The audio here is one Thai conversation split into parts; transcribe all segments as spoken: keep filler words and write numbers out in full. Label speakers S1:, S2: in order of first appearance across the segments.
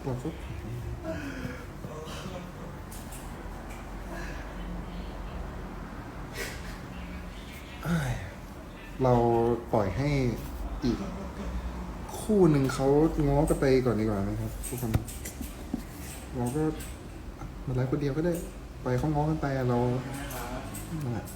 S1: เราก็เราปล่อยให้อีกคู่หนึ่งเขาง้อกันไปก่อนดีกว่านะครับทุกคนเราก็มาไลฟ์คนเดียวก็ได้ไปเขาง้อกันไปอะเรานั่นแหละ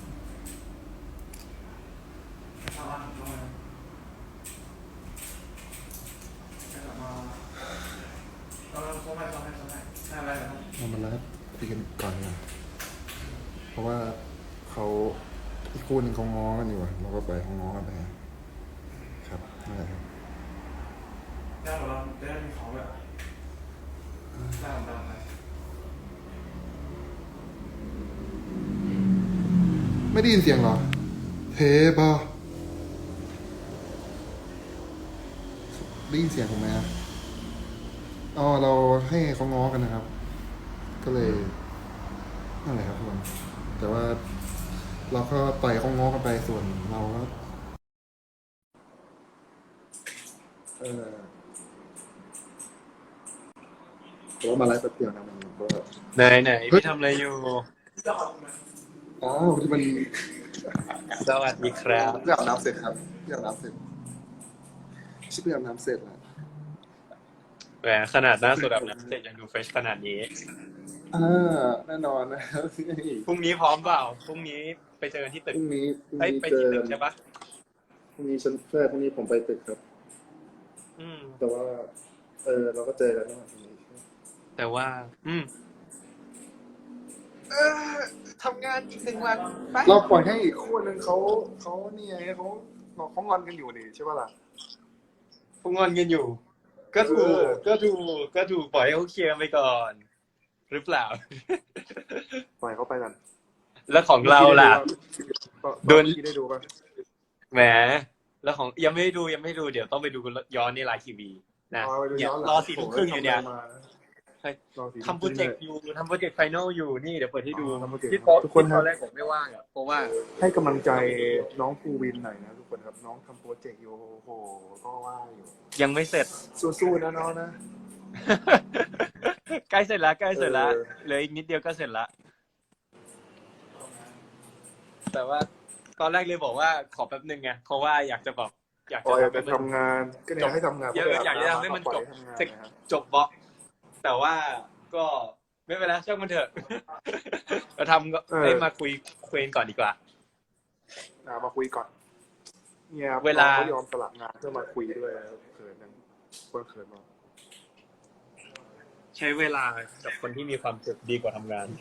S1: เรามาไลฟ์คุยกันก่อนนะเพราะว่าเขาอีกคู่หนึ่งเขาง้อกันอยู่อะเราก็ไปเขาง้อกันไปครับนั่นแหละครับ
S2: ได้เราได้มีของแบบได้ของเราไหม
S1: ไม่ได้ยินเสียงเหรอเทปะได้ยินเสียงผมไหมอ่ะอ๋อเราให้เขาง้อกันนะครับ ก็เลยนั่นแหละครับทุกคนแต่ว่าเราก็ปล่อยเขาง้อกันไปส่วนเราก็เออแต่ว่ามาไลฟ์แป๊บเดียวนะมันก็
S3: ไหนไหนพี่ทำอะไรอยู่
S1: อ๋อที่มัน
S3: สวัสดีครับ
S1: เพื่ออาบน้ำเสร็จครับเพื่ออาบน้ำเสร็จชิบเพื่ออาบน้ำเสร็จแล้ว
S3: แหมขนาดหน้าสดแบบนั้นเสร็จยังดูเฟรชขนาดนี้
S1: อ่าแน่นอนนะครับ
S3: พรุ่งนี้พร้อมเปล่าพรุ่งนี้ไปเจอกันที่ตึก
S1: พรุ่งนี้พรุ่ง
S3: เอ้ย
S1: นี้
S3: ไป
S1: เจอ
S3: ที่ตึกใช่ปะ
S1: พรุ่งนี้ฉันเพื่อพรุ่งนี้ผมไปตึกครับ
S3: อืม
S1: แต่ว่า เออเราก็เจอกันแล้วพรุ่งนี้
S3: แต่ว่า อืมเออทำงานอีกหนึ่งวันไป
S1: เราปล่อยให้อีกคู่หนึ่งเขาเขาเนี่ยเขาเขางอนกันอยู่นี่ใช่ป่ะล่ะ
S3: พวกงอนกันอยู่ ก็ถู
S1: เอก อ
S3: ก็ถูกก็ถูกปล่อยให้เขาเคลียร์ไปก่อน หรือเปล่า
S1: ปล่อยเขาไปกัน
S3: แล้วของเราล่ะ โด
S1: โด
S3: น
S1: นที่ได้ดูป่ะ
S3: แหมแล้วของยังไม่ได้ดูยังไม่ได้ดูเดี๋ยวต้องไปดูย้อนในไลน์ทีวีนะ
S1: อ๋อไปดู
S3: เนี่ย
S1: ย้อนหลัง
S3: รอสี่ทุ่มครึ่งอยู่เนี่ย
S1: โโหทำอะไรมา
S3: เฮ้ย
S1: รอสี่
S3: ทำโปรเจกต์อยู่ทำโปรเจกต์ไฟนอลอยู่นี่เดี๋ยวเปิดให้ดู
S1: อ๋อทำโปรเจกต์
S3: ที่โต๊ะ
S1: ทุกคนครับ
S3: ตอนแรกผมไม่ว่างอ่ะเพราะว่า
S1: ให้กำลังใจน้องภูวินหน่อยนะทุกคนครับน้องทำโปรเจกต์อยู่โอ้โหก็ว่าอยู่
S3: ยังไม่เสร็จ
S1: สู้ๆนะน้องนะ
S3: ใกล้เสร็จแล้วใกล้เสร็จแล้ว
S1: เออ
S3: เหลืออีกนิดเดียวก็เสร็จแล้วแต่ว่าตอนแรกเลยบอกว่าขอแป๊บนึงไงเพราะว่าอยากจะแบบอยาก
S1: ปล่อย
S3: จะ
S1: ไปทำงานก็เนี่ยให้ทำงาน
S3: เยอะอยากจะทำให้มันจบ
S1: ปล่อยทำงาน
S3: เสร็จ
S1: นะครับ
S3: จบบล็อกแต่ว่าก็ไม่เป็นไรช่างมันเถอะ เราทำก็ให้มาคุยคุยกันก่อนดีกว่า
S1: อ่ะมาคุยก่อนเนี่ย
S3: เวลา
S1: น้องเขายอมสลับงานเพื่อมาคุยด้วยเขินยังคนเขินมาก
S3: ใช้เวลากับคนที่มีความสุขดีกว่าทำงาน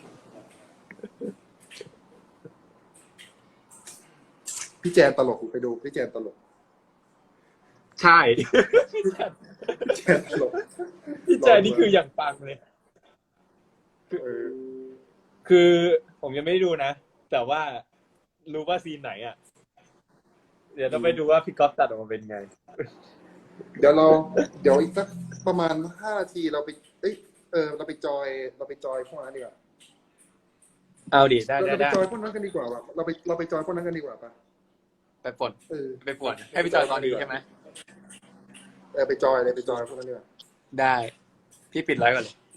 S1: พี่แจนตลกไปดูพี่แจนตลก
S3: ใช่
S1: พี่แจนตลก
S3: พี่แจนี่คืออย่างปังเลย
S1: เออ
S3: คือผมยังไม่ได้ดูนะ แต่ว่ารู้ว่าซีนไหนอ่ะ เดี๋ยวต้องไปดูว่าพี่ก๊อฟตัดออกมาเป็นไง
S1: เดี๋ยวเราเดี๋ยวอีกสักประมาณห้านาทีเราไปเอ้ยเออเราไปจอยเราไปจอยพวกนั้นดีกว่า
S3: เอาดิได้
S1: เรา
S3: ได้
S1: ไป
S3: ได้
S1: จอยพวกนั้นกันดีกว่าว่ะเราไปเราไปจอยพวกนั้นกันดีกว่าป่ะ
S3: ไปปลด
S1: เออ
S3: ไปปวดให้พี่จอยตอนนี้ใช่ไหม
S1: เออไปจอยเลยไปจอยพวกนั้นดีกว่า
S3: ได้ พี่ปิดไลฟ์ก่อนเลย